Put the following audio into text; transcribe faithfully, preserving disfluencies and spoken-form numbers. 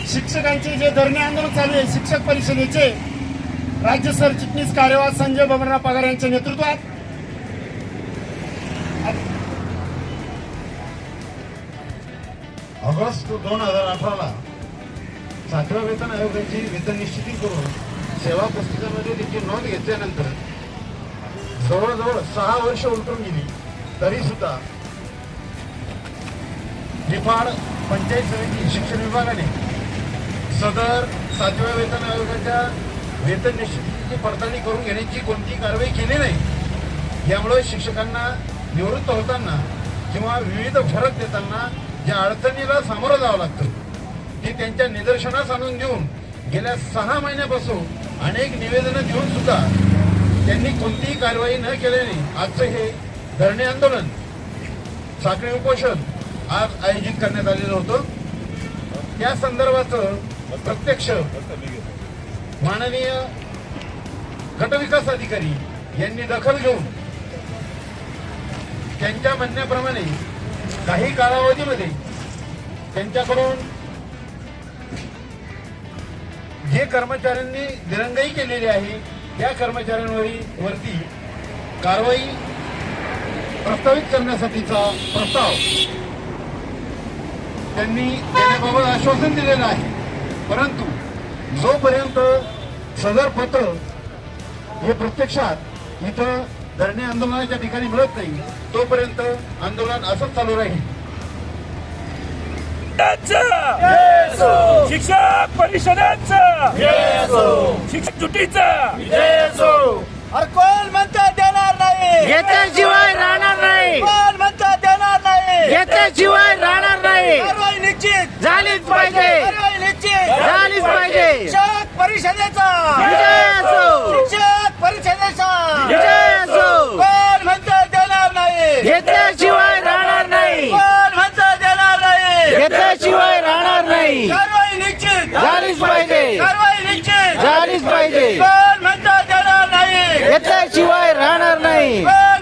शिक्षकांचे जे धरणे आंदोलन चालू आहे शिक्षक परिषदेचे राज्य सरचिटणीस कार्यवाह संजय बबनराव पगार यांच्या नेतृत्वात ऑगस्ट दोन हजार अठराला सातव्या वेतन आयोगाची वेतन निश्चिती करून सेवा पुस्तिकामध्ये त्याची नोंद घेतल्यानंतर जवळजवळ सहा वर्ष उलटून गेली तरी सुद्धा निफाड पंचायत समिती शिक्षण विभागाने सदर सातव्या वेतन आयोगाच्या वेतन निश्चितीची पडताळणी करून घेण्याची कोणतीही कारवाई केली नाही। यामुळे शिक्षकांना निवृत्त होताना किंवा विविध फरक देताना ज्या अडचणीला सामोरं जावं लागतं ती त्यांच्या निदर्शनास आणून देऊन गेल्या सहा महिन्यापासून अनेक निवेदनं देऊन सुद्धा त्यांनी कोणतीही कारवाई न केल्याने आजचं हे धरणे आंदोलन साखळी उपोषण आज आयोजित करण्यात आलेलं होतं। त्या संदर्भाचं प्रत्यक्ष माननीय गटविकास अधिकारी यांनी दखल घेऊन त्यांच्या म्हणण्याप्रमाणे काही कालावधीमध्ये त्यांच्याकडून जे कर्मचाऱ्यांनी दिरंगाई केलेली आहे त्या कर्मचाऱ्यांवरती कारवाई प्रस्तावित करण्यासाठीचा प्रस्ताव त्यांनी देण्याबाबत आश्वासन दिलेलं आहे। परंतु जोपर्यंत सदर पत्र हे प्रत्यक्षात इथं धरणे आंदोलनाच्या ठिकाणी मिळत नाही तोपर्यंत आंदोलन असंच चालू राहील। शिक्षक परिषदेचं शिक्षक जुटीचं अरे कोण म्हणता देणार नाही घेतल्याशिवाय राहणार नाही कोण म्हणता देणार नाही घेतल्याशिवाय राहणार नाही कारवाई निश्चित झालीच पाहिजे कारवाई निश्चित झालीच पाहिजे शिक्षक परिषदेचा विजय असो शिक्षक परिषदेचा विजय असो कोण म्हणता देणार नाही घेतल्याशिवाय राहणार नाही कोण म्हणता देणार नाही घेतल्याशिवाय राहणार नाही कारवाई निश्चित झालीच पाहिजे कारवाई निश्चित झालीच पाहिजे कोण म्हणता देणार नाही घेतल्याशिवाय राहणार नाही कोण